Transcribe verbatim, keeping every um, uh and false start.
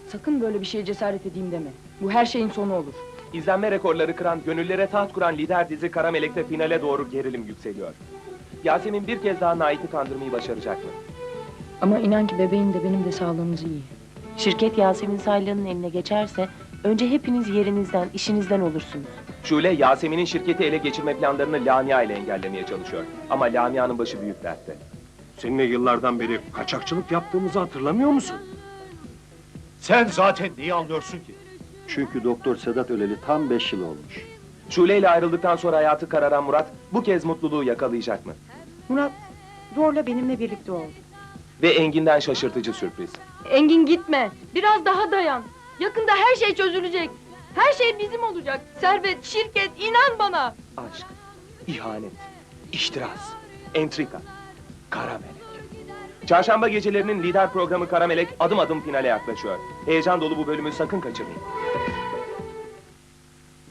Sakın böyle bir şeye cesaret edeyim deme. Bu her şeyin sonu olur. İzlenme rekorları kıran, gönüllere taht kuran lider dizi Kara Melek'te finale doğru gerilim yükseliyor. Yasemin bir kez daha Nait'i kandırmayı başaracak mı? Ama inan ki bebeğin de benim de sağlığımız iyi. Şirket Yasemin Saylan'ın eline geçerse önce hepiniz yerinizden, işinizden olursunuz. Şule, Yasemin'in şirketi ele geçirme planlarını Lamia ile engellemeye çalışıyor. Ama Lamia'nın başı büyük dertte. Seninle yıllardan beri kaçakçılık yaptığımızı hatırlamıyor musun? Sen zaten neyi anlıyorsun ki? Çünkü Doktor Sedat öleli tam beş yıl olmuş. Şule ile ayrıldıktan sonra hayatı kararan Murat, bu kez mutluluğu yakalayacak mı? Murat, zorla benimle birlikte oldu. Ve Engin'den şaşırtıcı sürpriz. Engin gitme. Biraz daha dayan. Yakında her şey çözülecek. Her şey bizim olacak. Servet, şirket, inan bana. Aşk, ihanet, iştiraz, entrika, Kara Melek. Çarşamba gecelerinin lider programı Kara Melek adım adım finale yaklaşıyor. Heyecan dolu bu bölümü sakın kaçırmayın.